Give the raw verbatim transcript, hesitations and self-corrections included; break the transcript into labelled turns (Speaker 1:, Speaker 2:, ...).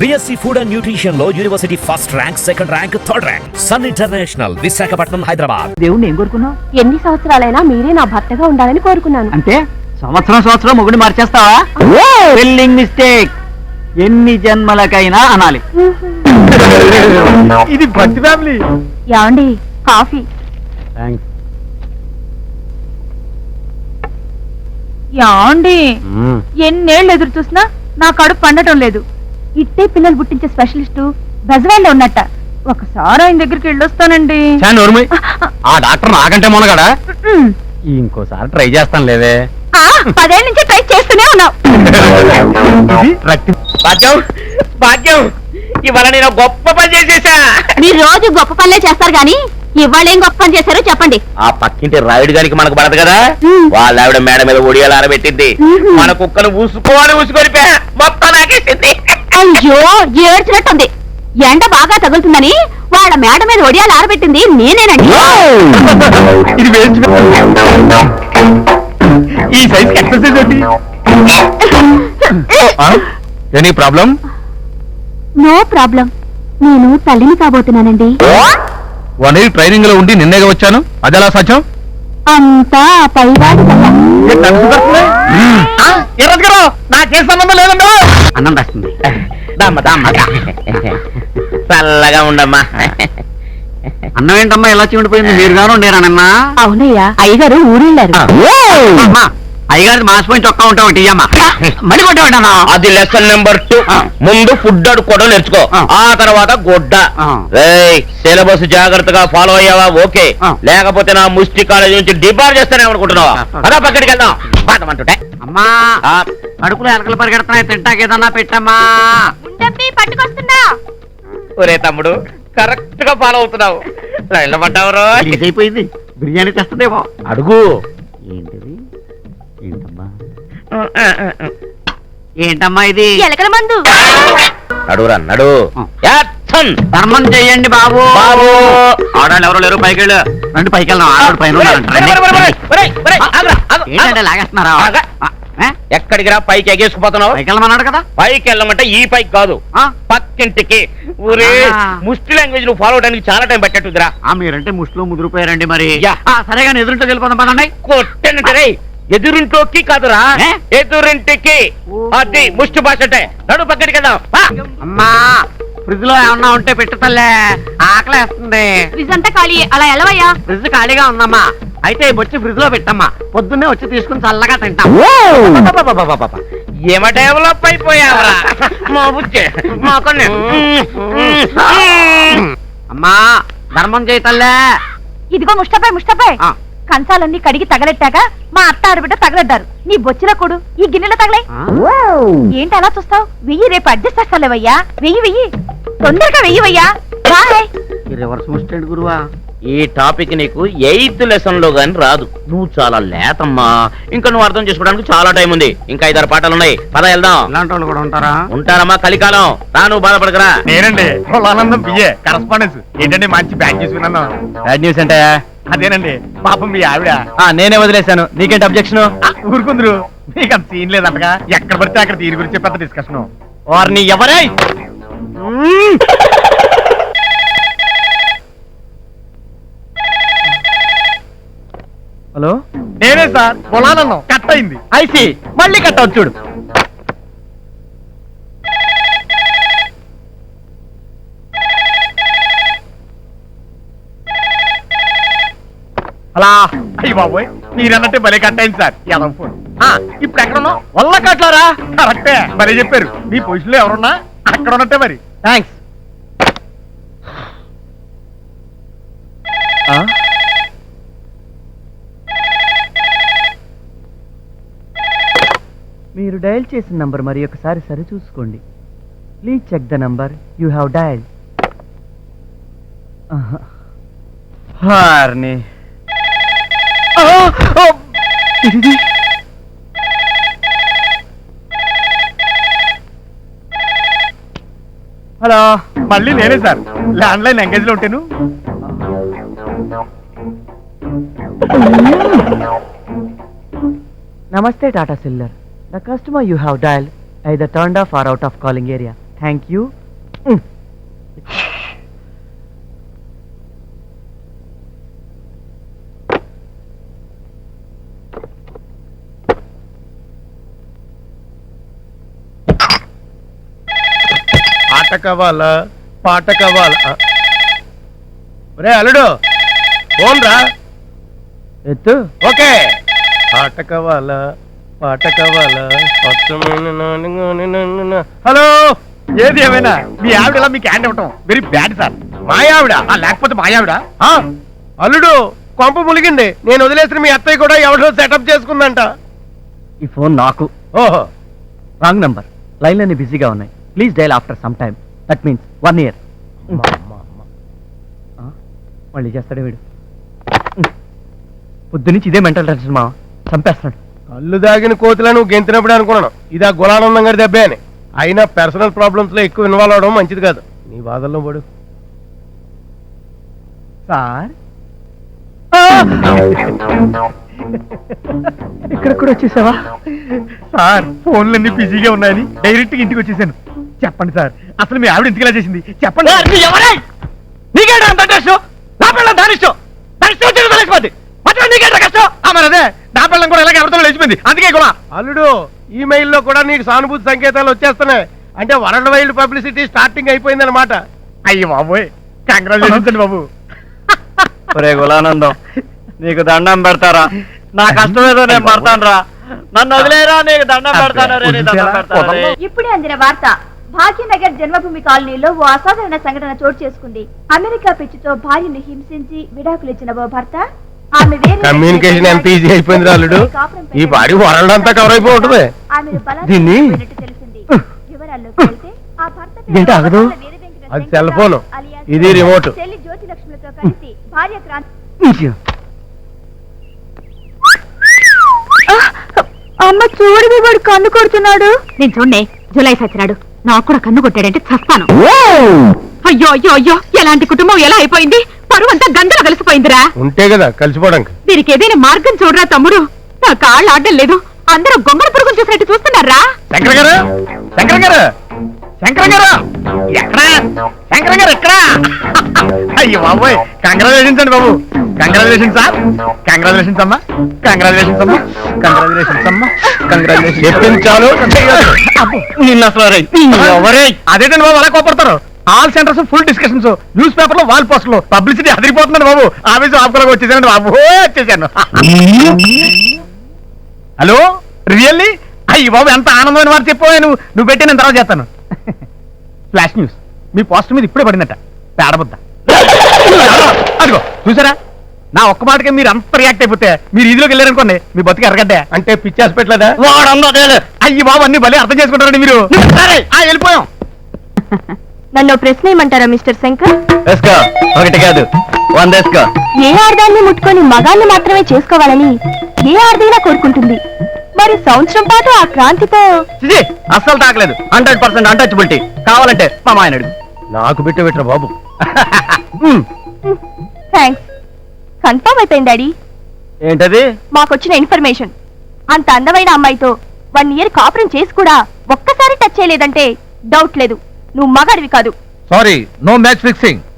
Speaker 1: BSc food and nutrition లో university first rank, second rank, third rank. Sun International, Visakhapatnam, Hyderabad.
Speaker 2: దేవుణ్ణి ఏం కోరుకున్నావు?
Speaker 3: ఎన్ని సంవత్సరాలైనా మీరే నా భర్తగా ఉండాలని కోరుకున్నాను.
Speaker 2: అంటే సంవత్సరం సంవత్సరం మొగుడిని మార్చేస్తావా? Spelling mistake. ఎన్ని జన్మలకైనా అనాలి.
Speaker 4: ఇది భక్తి ఫ్యామిలీ.
Speaker 3: యాండి కాఫీ. యాండి ఎన్నేళ్ళు ఎదురు చూసినా నా కడుపు పండటం లేదు. ఇట్టే పిల్లలు పుట్టించే స్పెషలిస్టు బెజవాడలో ఉన్నట్ట. ఒకసారి ఆయన దగ్గరికి వెళ్ళొస్తానండి.
Speaker 4: ఆ డాక్టర్ నాకంటే మొనగాడా? ఇంకోసారి ట్రై చేస్తాను లేవే.
Speaker 3: పదేళ్ళ నుంచి ట్రై చేస్తూనే ఉన్నావు.
Speaker 4: భాగ్యం భాగ్యం ఇవాళ నేను గొప్ప పని చేసేసా.
Speaker 3: మీరు రోజు గొప్ప పనులే చేస్తారు గాని ఇవాళ ఏం గొప్ప పని చేశారో చెప్పండి.
Speaker 4: ఆ పక్కింటి రాయుడు గారికి మనకు పడదు కదా, వాళ్ళ ఆవిడ మేడ మీద ఒడియాలు ఆరబెట్టింది. మన కుక్కను ఊసుకోవాలి ఊసుకొని మొత్తం నాకేసింది.
Speaker 3: అయ్యో ఏడ్చినట్టుంది. ఎండ బాగా తగులుతుందని వాళ్ళ మేడ మీద ఒడియాలు ఆరబెట్టింది నేనేనండి.
Speaker 4: ఈ సైజ్ ఎక్సర్సైజ్ ఏంటి? Any problem?
Speaker 3: No problem. నేను తల్లిని కాబోతున్నానండి.
Speaker 4: వన్ ఇయర్ ట్రైనింగ్ లో ఉండి నిన్నేగా వచ్చాను, అదెలా సాధ్యం?
Speaker 3: అంతా పైవాడి
Speaker 4: నాకే సంబంధం లేదమ్మా.
Speaker 2: అన్నం రాస్తుంది.
Speaker 4: చల్లగా ఉండమ్మా.
Speaker 2: అన్నం ఏంటమ్మా ఎలా చిమిడిపోయింది? మీరు గాను నేనన్నా?
Speaker 3: అవునయ్యా, అయ్యగారు ఊరెళ్ళారు.
Speaker 2: అయ్యగారి మాసిపోయిన చొక్కా ఉంటా ఒకటి అమ్మా. మడి కొట్టా.
Speaker 4: అది లెసన్ నెంబర్ టూ. ముందు ఫుడ్ అడుక్కోవడం నేర్చుకో, ఆ తర్వాత గుడ్డ. సిలబస్ జాగ్రత్తగా ఫాలో అయ్యావా? ఓకే, లేకపోతే నా ముష్టి కాలేజీ నుంచి డిబార్ చేస్తానే అనుకుంటున్నావా? అదా పక్కడికి వెళ్దాం పాటమంటుంటే.
Speaker 2: అమ్మా కడుపులో ఎలకలు పరిగెడుతున్నాయి, తింటాకేదన్నా పెట్టమ్మా.
Speaker 3: పట్టుకొస్తున్నా.
Speaker 4: ఒరే తమ్ముడు, కరెక్ట్ గా ఫాలో అవుతున్నావు. లైన్లో పడ్డావురో.
Speaker 2: అయిపోయింది. బిర్యానీ తెస్తుందేమో.
Speaker 4: అడుగు.
Speaker 2: ఏంటిది? ఏంటమ్మా ఏంటమ్మా ఇది?
Speaker 3: ఎలకల మందు.
Speaker 4: నడురా నడు.
Speaker 2: ధర్మం చెయ్యండి బాబు.
Speaker 4: బాబు
Speaker 2: ఆడాళ్ళు ఎవరో లేరు, పైకి వెళ్ళు. రండి పైకి వెళ్దాం. ఆడాడు పైన ఏంటంటే లాగేస్తున్నారా?
Speaker 4: ఎక్కడికి రా? పైకి ఎగేసుకుపోతున్నావు.
Speaker 2: పైకి వెళ్ళమన్నాడు కదా.
Speaker 4: పైకి వెళ్ళమంటే ఈ పైకి కాదు, పక్కింటికి. ఊరే ముష్టి లాంగ్వేజ్ నువ్వు ఫాలో అవడానికి చాలా టైం పెట్టట్టుదిరా.
Speaker 2: మీరంటే ముష్టిలో ముదిరిపోయారండి. మరి సరేగా ఎదురుంటో వెళ్ళిపోదాం పదండి.
Speaker 4: కొట్టేనంటే ఎదురింటోకి కాదురా, ఎదురింటికి. అది ముష్టి భాష అంటే. నడు పక్కడికి వెళ్దాం.
Speaker 2: అమ్మా ఫ్రిడ్జ్ లో ఏమన్నా ఉంటే పెట్టు తల్లే, ఆకలేస్తుంది.
Speaker 3: ఫ్రిడ్జ్ అంతా ఖాళీ, అలా ఎలవయ్యా.
Speaker 2: ఫ్రిడ్జ్ ఖాళీగా ఉందమ్మా. అయితే వచ్చి ఫ్రిడ్జ్ లో పెట్టమ్మా, పొద్దున్నే వచ్చి తీసుకుని చల్లగా తింటాం.
Speaker 4: ఏమ డెవలప్ అయిపోయావరా మా బుచ్చే.
Speaker 2: అమ్మా ధర్మం చేయి తల్లే.
Speaker 3: ఇదిగో ముష్టపై ముష్టపై కంచాలన్నీ కడిగి తగలెట్టాక మా అత్త ఆడబిడ్డ తగలెడ్డారు. నీ బొచ్చిన కొడు ఈ గిన్నెలో తగలే. ఏంటి అలా చూస్తావు? వెయ్యి, రేపు అడ్జస్ట్ చేస్తాలేవయ్యా. వెయ్యి వెయ్యి, తొందరగా వెయ్యివయ్యా. బాయ్.
Speaker 2: రివర్స్ ముస్టెడ్ గురువా.
Speaker 4: ఈ టాపిక్ నీకు ఎయిత్ లెసన్ లో గాని రాదు. నువ్వు చాలా లేతమ్మా. ఇంకా నువ్వు అర్థం చేసుకోవడానికి చాలా టైం ఉంది. ఇంకా ఐదారు పాటలు ఉన్నాయి, పద వెళ్దాం.
Speaker 2: ఇలాంటి వాళ్ళు కూడా ఉంటారా?
Speaker 4: ఉంటారమ్మా, కలికాలం. రా, నువ్వు బాధపడకరా.
Speaker 5: నేనండి ఆనందం బిఏ కరస్పాండెన్స్. ఏంటండి మంచి బ్యాడ్ న్యూస్ విన్నాను.
Speaker 4: బ్యాడ్ న్యూస్ అంటే
Speaker 5: అదేనండి, పాపం మీ ఆవిడ.
Speaker 4: నేనే వదిలేశాను, నీకేంటి అబ్జెక్షన్?
Speaker 5: ఊరుకుందరు, మీకు అంత సీన్ లేదంటగా. ఎక్కడ పడితే అక్కడ దీని గురించి పెద్ద డిస్కషన్.
Speaker 4: వారిని ఎవరై?
Speaker 5: హలో, నేనే సార్. పొలానన్నాం కట్ అయింది.
Speaker 4: ఐసి మళ్ళీ కట్ అవుతుంది చూడు.
Speaker 5: అలా అయ్యి బాబోయ్, మీరన్నట్టే భలే కట్ అయింది సార్. యాదవ్ ఫోన్. ఇప్పుడు ఎక్కడ ఉన్నావు?
Speaker 4: వల్ల కట్లారా?
Speaker 5: కరెక్టే, భలే చెప్పారు. మీ పొజిషన్ లో ఎవరున్నా అక్కడ ఉన్నట్టే మరి.
Speaker 4: థ్యాంక్స్.
Speaker 6: మీరు డయల్ చేసిన నంబర్ మరి ఒకసారి సరి చూసుకోండి. Please check the number you have dial.
Speaker 4: హార్ని
Speaker 6: హలో,
Speaker 5: మళ్ళీ నేనే సార్. ల్యాండ్ లైన్ ఎంగేజ్ లో ఉంటాను.
Speaker 6: Namaste Tata Siller. The customer you have dialed either turned off or out of calling area. Thank you.
Speaker 5: ఆట కావాలా పాట కావాలా? ఒరే అల్లుడు ఫోన్ రా.
Speaker 6: ఎత్తు.
Speaker 5: ఓకే. ఆట కావాలా పాట కావాలా? స్వచ్ఛమైన నాన్నగాని నన్ను. హలో, ఏది ఏమైనా మీ ఆవిడ ఇలా మీకు హ్యాండ్ ఇవ్వటం వెరీ బ్యాడ్ సార్. మా ఆవిడ ఆ, లేకపోతే మా ఆవిడ ఆ, అల్లుడు కొంప ములిగింది. నేను వదిలేసిన మీ అత్తయ్య కూడా ఎవరిలో సెటప్ చేసుకుందంట.
Speaker 6: ఈ ఫోన్ నాకు.
Speaker 5: ఓహో,
Speaker 6: రాంగ్ నంబర్. లైన్లన్నీ బిజీగా ఉన్నాయి. Please dial after some time. That means one year.
Speaker 5: అమ్మా, అమ్మా, అమ్మా.
Speaker 6: మళ్ళీ చేస్తాడే వీడు. పొద్దు నుంచి ఇదే మెంటల్ టెన్షన్ మా చంపేస్తున్నాడు.
Speaker 5: కళ్ళు దాగిన కోతిలా నువ్వు గెంతినప్పుడు అనుకున్నాను ఇది ఆ గులానందం గారి దెబ్బే అని. అయినా పర్సనల్ ప్రాబ్లమ్స్ లో ఎక్కువ ఇన్వాల్వ్ అవడం మంచిది కాదు. నీ బాధల్లో పడు.
Speaker 6: సార్ ఇక్కడ కూడా వచ్చేసావా?
Speaker 5: సార్ ఫోన్లన్నీ బిజీగా ఉన్నాయని డైరెక్ట్ గా ఇంటికి వచ్చేసాను. చెప్పండి సార్, అసలు మీ ఆవిడ ఇంటికి ఇలా చేసింది చెప్పండి. నీకేంటా అంత టెస్ట్? నా పిల్లలు దానిష్టం దానిష్టం వచ్చి తెలిసిపోద్ది. మాత్రం నీకేంటా కష్టం? మరి అదే నా పిల్లం కూడా ఇలాగే ఎవరితో లేచిపోయింది. అందుకే కూడా అల్లుడు ఈమెయిల్ లో కూడా నీకు సానుభూతి సంకేతాలు వచ్చేస్తున్నాయి. అంటే వరల్డ్ వైల్డ్ పబ్లిసిటీ స్టార్టింగ్ అయిపోయింది అనమాట. అయ్యి బాబోయ్, కంగ్రాచులేషన్స్ అండి బాబు.
Speaker 6: ఒరే గులానందం, నీకు దండం పెడతారా? నా కష్టం ఏదో నేను పడతాను రా. నన్ను వదిలేరా, నీకు దండం పెడతాను రే, నీకు దండం పెడతాను రే.
Speaker 3: ఇప్పుడే అందిన వార్త. భాగ్యనగర్ జన్మభూమి కాలనీలో ఓ అసాధారణ సంఘటన చోటు చేసుకుంది. అమెరికా పిచ్చితో భార్యను హింసించి విడాకులిచ్చిన ఓ భర్త ఆమె వేరే
Speaker 5: కమ్యూనికేషన్ ఎంత ఈజీ అయిపోయింది అల్లుడు. ఈ బాడీ వరల్డ్ అంతా కవర్ అయిపోయి ఉంటుంది.
Speaker 3: ఆమెను బలాత్కారం
Speaker 6: దీన్ని-
Speaker 3: చేసినట్టు తెలిసింది. వివరాల్లోకి వెళ్తే ఆ భర్త పేరు
Speaker 6: ఇదేంటి ఆగదు?
Speaker 3: వరదల వీరవెంకట
Speaker 5: అది సెల్ ఫోను,
Speaker 3: అలియాస్
Speaker 5: ఇది రిమోట్.
Speaker 3: చెల్లి జ్యోతి లక్ష్మిలతో కలిసి భార్య క్రాంతి. అమ్మ చూడు, వాడు కన్ను కొడుతున్నాడు. నేను చూడండి, జులై సచ్చినాడు. నాకు కూడా కన్ను కొట్టాడంటే చస్తాను. అయ్యో అయ్యో అయ్యో, ఎలాంటి కుటుంబం ఎలా అయిపోయింది? పరువంతా గంగలో కలిసిపోయిందిరా.
Speaker 5: ఉంటే కదా కలిసిపోవడానికి.
Speaker 3: దీనికి ఏదైనా మార్గం చూడరా తమ్ముడు. నా కాళ్ళు ఆడడం లేదు. అందరూ గొంగళ పురుగులు చూసినట్టు చూస్తున్నారా?
Speaker 5: శంకర్ గారు, శంకర్ గారు, శంకర్ గారు ఎక్కడా? శంకర్ గారు ఎక్కడా? అయ్యో బాబోయ్, కంగ్రాచులేషన్స్ అండి బాబు. Congratulations sir. కంగ్రాచులేషన్స్ అమ్మా. కంగ్రాచులేషన్స్ అమ్మా. కంగ్రాచులేషన్స్ అమ్మా. కంగ్రాచులేషన్స్. చెప్పించాలు నిన్న ఎవరే? అదేంటండి బాబు అలా కోపడతారు? All centres full discussions, news paper లో వాల్ పోస్టర్లు, పబ్లిసిటీ అదిరిపోతుందండి బాబు. ఆఫీసు ఆపుకోలేక వచ్చేసానండి బాబు, వచ్చేసాను. Hello, really? అయ్యి బాబు, ఎంత ఆనందమైన వారు చెప్పావు. నువ్వు నువ్వు పెట్టి నేను తర్వాత చేస్తాను. ఫ్లాష్ న్యూస్, మీ పోస్టర్ మీద ఇప్పుడే పడిందట. పేడబుద్ద. అదిగో చూసారా, నా ఒక్క మాటకే మీరు అంత రియాక్ట్ అయిపోతే మీరు ఇదిలోకి వెళ్ళారనుకోండి, మీ బతికి ఎరగడ్డే. అంటే పిచ్చేసి పెట్టలేదా? అయ్యి బాబు, అన్ని భలే అర్థం చేసుకుంటారండి మీరు. సరే, ఆ వెళ్ళిపోయాం.
Speaker 3: నన్ను ప్రశ్న ఏమంటారా మిస్టర్ శంకర్?
Speaker 6: వేసుకో, ఒకటి కాదు వంద వేసుకో.
Speaker 3: ఏ ఆర్దాన్ని ముట్టుకొని మగాన్ని మాత్రమే చేసుకోవాలని ఏ ఆర్దైనా కోరుకుంటుంది. మరి సంవత్సరం పాటు ఆ క్రాంతితో
Speaker 6: చిచి, అస్సలు తాకలేదు. Hundred percent untouchability. కావాలంటే మా మాయన అడుగు.
Speaker 5: నాకు బిట్ట పెట్టరా బాబు.
Speaker 3: థ్యాంక్స్. కన్ఫర్మ్ అయిపోయింది డాడీ.
Speaker 6: ఏంటది?
Speaker 3: మాకొచ్చిన ఇన్ఫర్మేషన్. అంత అందమైన అమ్మాయితో వన్ ఇయర్ కాపురం చేసి కూడా ఒక్కసారి టచ్ చేయలేదంటే డౌట్ లేదు, నువ్వు మగాడివి కాదు.
Speaker 4: Sorry, no match fixing.